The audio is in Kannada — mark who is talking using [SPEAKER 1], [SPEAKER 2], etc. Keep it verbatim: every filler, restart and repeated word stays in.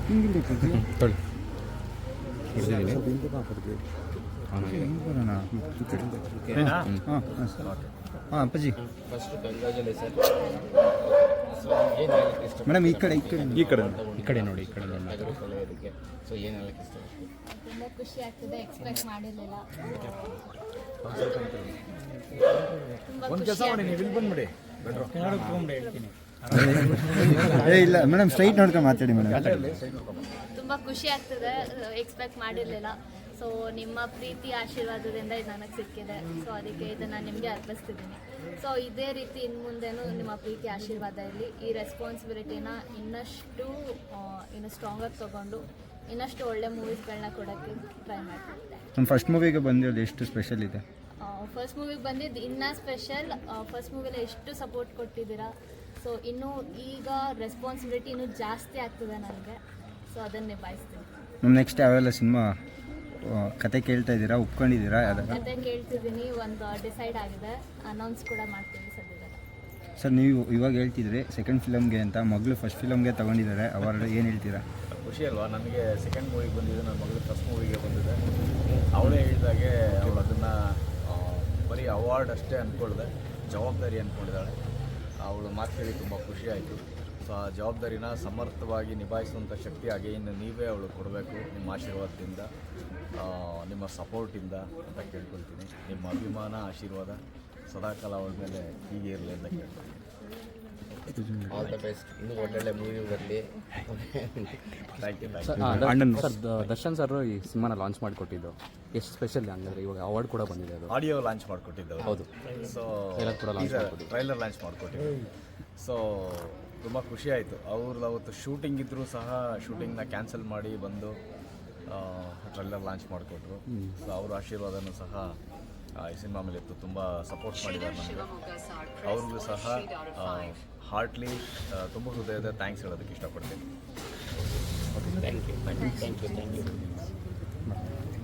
[SPEAKER 1] ಹಿಂಗಿಲ್ಲ
[SPEAKER 2] ತೊಳಿ
[SPEAKER 1] ಹಾಂ ಹಾಂ ಅಪ್ಪಾಜಿ
[SPEAKER 3] ಫಸ್ಟ್ ಕಂಗ್ರ್ಯಾಚುಲೇಷನ್.
[SPEAKER 1] ಮೇಡಮ್ ಈ ಕಡೆ ಈ ಕಡೆ
[SPEAKER 2] ಈ ಕಡೆ ಈ ಕಡೆ ನೋಡಿ ಈ ಕಡೆ ನೋಡಿ
[SPEAKER 3] ಕಳೆಯೋದಕ್ಕೆ ಸೊ ಏನು ಹೇಳಕ್ಕೆ ಇಷ್ಟ?
[SPEAKER 4] ತುಂಬ ಖುಷಿ ಆಗ್ತದೆ, ಎಕ್ಸ್ಪೆಕ್ಟ್ ಮಾಡಿರಲಿಲ್ಲ.
[SPEAKER 5] ಒಂದು ಕೆಲಸ ಮಾಡಿ, ನೀವು ಇಲ್ಲಿ ಬಂದ್ಬಿಡಿ.
[SPEAKER 1] ಏ ಇಲ್ಲ ಮೇಡಮ್, ಸ್ಟ್ರೈಟ್ ನೋಡ್ಕೊಂಡು ಮಾತಾಡಿ ಮೇಡಮ್.
[SPEAKER 4] ತುಂಬ ಖುಷಿ ಆಗ್ತದೆ, ಎಕ್ಸ್ಪೆಕ್ಟ್ ಮಾಡಿರಲಿಲ್ಲ. ಸೊ ನಿಮ್ಮ ಪ್ರೀತಿ ಆಶೀರ್ವಾದದಿಂದ ಇದು ನನಗೆ ಸಿಕ್ಕಿದೆ. ಸೊ ಅದಕ್ಕೆ ಇದನ್ನು ನಿಮಗೆ ಅರ್ಪಿಸ್ತಿದ್ದೀನಿ. ಸೊ ಇದೇ ರೀತಿ ಇನ್ನು ಮುಂದೆನೂ ನಿಮ್ಮ ಪ್ರೀತಿ ಆಶೀರ್ವಾದ ಇರಲಿ. ಈ ರೆಸ್ಪಾನ್ಸಿಬಿಲಿಟಿನ ಇನ್ನಷ್ಟು ಇನ್ನು ಸ್ಟ್ರಾಂಗಾಗಿ ತೊಗೊಂಡು ಇನ್ನಷ್ಟು ಒಳ್ಳೆ ಮೂವೀಸ್ಗಳನ್ನ ಕೊಡೋಕ್ಕೆ ಟ್ರೈ ಮಾಡ್ತಿದ್ದೆ.
[SPEAKER 1] ನಮ್ಮ ಫಸ್ಟ್ ಮೂವಿಗೆ ಬಂದಿರೋದು ಎಷ್ಟು ಸ್ಪೆಷಲ್ ಇದೆ?
[SPEAKER 4] ಫಸ್ಟ್ ಮೂವಿಗೆ ಬಂದಿದ್ದು ಇನ್ನೂ ಸ್ಪೆಷಲ್. ಫಸ್ಟ್ ಮೂವಿಲಿ ಎಷ್ಟು ಸಪೋರ್ಟ್ ಕೊಟ್ಟಿದ್ದೀರಾ. ಸೊ ಇನ್ನೂ ಈಗ ರೆಸ್ಪಾನ್ಸಿಬಿಲಿಟಿ ಇನ್ನೂ ಜಾಸ್ತಿ ಆಗ್ತದೆ ನನಗೆ. ಸೊ ಅದನ್ನು ನಿಭಾಯಿಸ್ತೀನಿ.
[SPEAKER 1] ನಮ್ಮ ನೆಕ್ಸ್ಟ್ ಯಾವೆಲ್ಲ ಸಿನಿಮಾ ಕತೆ ಕೇಳ್ತಾ ಇದ್ದೀರಾ, ಒಪ್ಕೊಂಡಿದ್ದೀರಾ? ಯಾವ್ದಾರ
[SPEAKER 4] ಕತೆ ಕೇಳ್ತಿದ್ದೀನಿ, ಒಂದು ಡಿಸೈಡ್ ಆಗಿದೆ, ಅನೌನ್ಸ್ ಕೂಡ ಮಾಡ್ತೀವಿ ಸದ್ಯದಲ್ಲ.
[SPEAKER 1] ಸರ್ ನೀವು ಇವಾಗ ಹೇಳ್ತಿದ್ರಿ ಸೆಕೆಂಡ್ ಫಿಲಮ್ಗೆ ಅಂತ, ಮಗಳು ಫಸ್ಟ್ ಫಿಲಮ್ಗೆ ತೊಗೊಂಡಿದ್ದಾರೆ, ಅವಾರ್ಡ್ ಏನು ಹೇಳ್ತೀರಾ?
[SPEAKER 5] ಖುಷಿ ಅಲ್ವಾ? ನನಗೆ ಸೆಕೆಂಡ್ ಮೂವಿಗೆ ಬಂದಿದೆ, ನನ್ನ ಮಗಳು ಫಸ್ಟ್ ಮೂವಿಗೆ ಬಂದಿದೆ. ಅವಳೇ ಹೇಳಿದಾಗೆ ಅವಳು ಅದನ್ನು ಬರೀ ಅವಾರ್ಡ್ ಅಷ್ಟೇ ಅಂದ್ಕೊಳ್ದೆ ಜವಾಬ್ದಾರಿ ಅಂದ್ಕೊಂಡಿದ್ದಾಳೆ. ಅವಳು ಮಾತು ಕೇಳಿ ತುಂಬ ಖುಷಿ ಆಯಿತು. ಸೊ ಆ ಜವಾಬ್ದಾರಿನ ಸಮರ್ಥವಾಗಿ ನಿಭಾಯಿಸುವಂಥ ಶಕ್ತಿ ಹಾಗೆ ಇನ್ನು ನೀವೇ ಅವಳು ಕೊಡಬೇಕು, ನಿಮ್ಮ ಆಶೀರ್ವಾದದಿಂದ, ನಿಮ್ಮ ಸಪೋರ್ಟಿಂದ ಅಂತ ಕೇಳ್ಕೊಳ್ತೀನಿ. ನಿಮ್ಮ ಅಭಿಮಾನ ಆಶೀರ್ವಾದ ಸದಾಕಾಲ ಅವಳ ಮೇಲೆ ಹೀಗೆ ಇರಲಿ ಅಂತ ಕೇಳ್ತೀನಿ.
[SPEAKER 3] All the best. ಇನ್ನೂ ಒಳ್ಳೊಳ್ಳೆ ಮೂವಿ ಬರಲಿ.
[SPEAKER 5] Thank you.
[SPEAKER 2] ಅಣ್ಣನ್ ಸರ್ ದರ್ಶನ್ ಸರ್ ಈ ಸಿನಿಮಾನ ಲಾಂಚ್ ಮಾಡಿಕೊಟ್ಟಿದ್ದು ಎಷ್ಟು ಸ್ಪೆಷಲ್ ಅಂದರೆ ಇವಾಗ ಅವಾರ್ಡ್ ಕೂಡ ಬಂದಿದೆ. ಅದು
[SPEAKER 5] ಆಡಿಯೋ ಲಾಂಚ್ ಮಾಡಿಕೊಟ್ಟಿದ್ದೆವು.
[SPEAKER 2] ಹೌದು.
[SPEAKER 5] ಸೊ
[SPEAKER 2] ಕೂಡ ಲಾಂಚ್ ಮಾಡಿಕೊಟ್ಟಿದ್ದು,
[SPEAKER 5] ಟ್ರೈಲರ್ ಲಾಂಚ್ ಮಾಡಿಕೊಟ್ಟಿದ್ದು. ಸೊ ತುಂಬ ಖುಷಿ ಆಯಿತು. ಅವ್ರದ್ದು ಅವತ್ತು ಶೂಟಿಂಗ್ ಇದ್ದರೂ ಸಹ ಶೂಟಿಂಗ್ನ ಕ್ಯಾನ್ಸಲ್ ಮಾಡಿ ಬಂದು ಟ್ರೈಲರ್ ಲಾಂಚ್ ಮಾಡಿಕೊಟ್ರು. ಸೊ ಅವ್ರ ಆಶೀರ್ವಾದನೂ ಸಹ ಈ ಸಿನಿಮಾ ಮೇಲೆ ಇತ್ತು. ತುಂಬ ಸಪೋರ್ಟ್ ಮಾಡಿದ್ದಾರೆ ನಮಗೆ. ಅವ್ರಿಗೂ ಸಹ ಹಾರ್ಟ್ಲಿ ತುಂಬ ಹೃದಯದ ಥ್ಯಾಂಕ್ಸ್ ಹೇಳೋದಕ್ಕೆ ಇಷ್ಟಪಡ್ತೀನಿ.
[SPEAKER 3] Thank you thank you thank you thank you